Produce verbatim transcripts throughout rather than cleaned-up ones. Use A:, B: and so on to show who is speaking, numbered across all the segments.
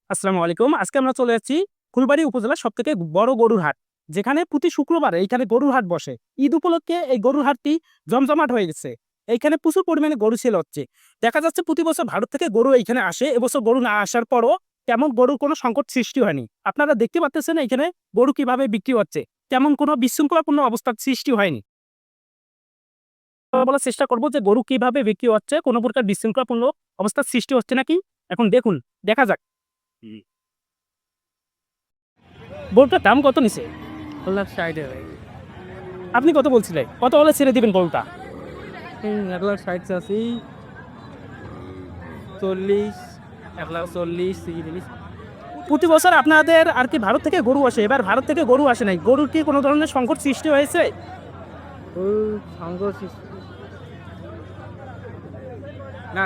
A: আসসালামু আলাইকুম। আজকে আমরা চলে যাচ্ছি ফুলবাড়ী উপজেলার সবথেকে বড় গরুর হাট। যেখানে প্রতি শুক্রবার এইখানে গরুর হাট বসে। ঈদ উপলক্ষে এই গরুর হাটটি জমজমাট হয়ে গেছে। এইখানে প্রচুর পরিমাণে গরু সেল হচ্ছে। দেখা যাচ্ছে প্রতি বছর ভারত থেকে গরু এইখানে আসে। এবছর গরু না আসার পরও তেমন গরুর কোনো সংকট সৃষ্টি হয়নি। আপনারা দেখতে পাচ্ছেন এইখানে গরু কিভাবে বিক্রি হচ্ছে। তেমন কোনো বিশৃঙ্খলাপূর্ণ অবস্থার সৃষ্টি হয়নি। বলার চেষ্টা করব যে গরু কিভাবে বিক্রি হচ্ছে, কোনো প্রকার বিশৃঙ্খলাপূর্ণ অবস্থার সৃষ্টি হচ্ছে নাকি। এখন দেখুন, দেখা যাক। গরুটার দাম কত নিছে?
B: লাখ ষাট ভাই।
A: আপনি কত বলছিলেন? কত হলে ছেড়ে দিবেন গরুটা?
B: এক লাখ ষাট চাষি চল্লিশ, এক লাখ চল্লিশ তিরিশ।
A: প্রতি বছর আপনাদের আর কি ভারত থেকে গরু আসে, এবার ভারত থেকে গরু আসে নাই, গরুর কি কোনো ধরনের সংকট সৃষ্টি হয়েছে?
B: ওই সংঘর্ষ না,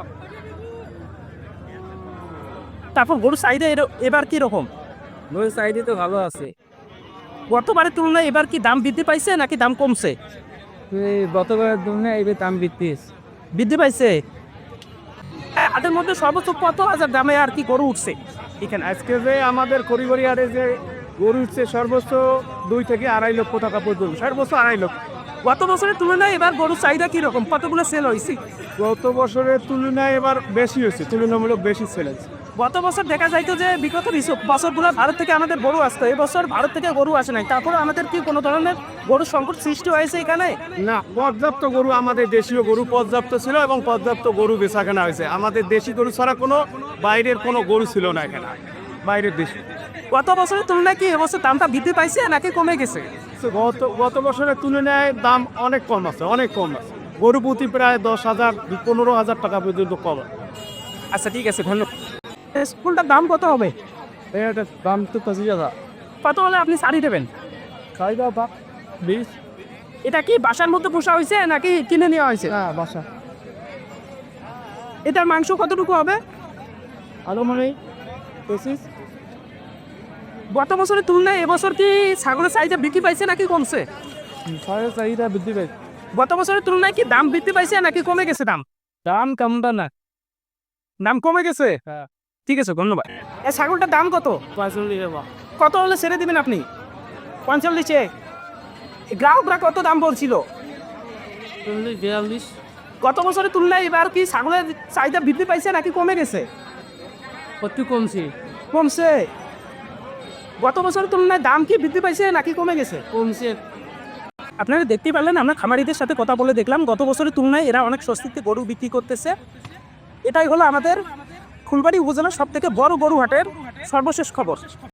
A: তারপর গরুর চাহিদা এর- এবার কি রকম?
B: ওই সাইডে তো ভালো আছে।
A: গতবারের তুলনায় এবার কি দাম বৃদ্ধি পাইছে নাকি দাম কমছে?
B: এই গতবারের তুলনায় এবার দাম বৃদ্ধি হয়েছে।
A: বৃদ্ধি পাইছে। হ্যাঁ, হাটের মধ্যে সর্বোচ্চ কত হাজার দামে আর কি গরু উঠছে এখানে?
C: আজকে যে আমাদের করিগরি হাটে যে গরু উঠছে সর্বোচ্চ দুই থেকে আড়াই লক্ষ টাকা পর্যন্ত, সর্বোচ্চ আড়াই লক্ষ।
A: গত বছরের তুলনায় এবার গরুর চাহিদা কি রকম? কতগুলো সেল হয়েছে?
C: গত বছরের তুলনায় এবার বেশি হয়েছে, তুলনামূলক বেশি সেল হয়েছে।
A: গত বছর দেখা যাইতো যে বিগত বিশ- বছরগুলো ভারত থেকে আমাদের গরু আসতো, এবছর ভারত থেকে গরু আসে নাই, তারপরে আমাদের কি কোনো ধরনের গরুর সংকট সৃষ্টি হয়েছে এখানে?
C: না, পর্যাপ্ত গরু, আমাদের দেশীয় গরু পর্যাপ্ত ছিল এবং পর্যাপ্ত গরু বেচা কেনা হয়েছে। আমাদের দেশি গরু ছাড়া কোনো বাইরের কোনো গরু ছিল না এখানে, বাইরের দেশি।
A: গত বছরের তুলনায় কি এবছর দামটা বৃদ্ধি পাইছে নাকি কমে গেছে?
C: তো গত গত বছরের তুলনায় দাম অনেক কম আছে, অনেক কম আছে। গরু প্রতি প্রায় দশ হাজার পনেরো হাজার টাকা পর্যন্ত কম আছে।
A: আচ্ছা, ঠিক আছে, ধন্যবাদ। স্কুলটার দাম কত হবে?
C: এটার দাম তো পঁচিশ হাজার।
A: কত হলে আপনি শাড়ি দেবেন?
C: খাই দাও বা বিশ।
A: এটা কি বাসার মধ্যে পোষা হয়েছে নাকি কিনে নেওয়া হয়েছে?
C: হ্যাঁ, বাসা
A: এটার মাংস কতটুকু হবে?
C: আরো মানে পঁচিশ।
A: গত বছরের তুলনায় এবছর কি ছাগলের চাহিদা বৃদ্ধি পাইছে নাকি কমছে?
C: সাড়ে চাহিদা বৃদ্ধি পেয়েছে।
A: গত বছরের তুলনায় কি দাম বৃদ্ধি পাইছে নাকি কমে গেছে দাম?
C: দাম কমবে না।
A: দাম কমে গেছে।
C: হ্যাঁ,
A: ঠিক আছে, ধন্যবাদ। এই ছাগলটার দাম কত?
C: পঁয়তাল্লিশ টাকা।
A: কত হলে ছেড়ে দিবেন আপনি? পঞ্চল্লিশে। গ্রাহকরা কত দাম বলছিল?
B: চল্লিশ বিয়াল্লিশ।
A: গত বছরের তুলনায় এবার কি ছাগলের চাহিদা বৃদ্ধি পাইছে নাকি কমে গেছে?
B: কত কমছে?
A: কমছে। গত বছরের তুলনায় দাম কি বৃদ্ধি পাইছে নাকি কমে গেছে?
B: কমছে।
A: আপনারা দেখতেই পারলেন, আমরা খামারিদের সাথে কথা বলে দেখলাম গত বছরের তুলনায় এরা অনেক স্বস্তিতে গরু বিক্রি করতেছে। এটাই হলো আমাদের ফুলবাড়ী উপজেলার সব থেকে বড় গরু হাটের সর্বশেষ খবর।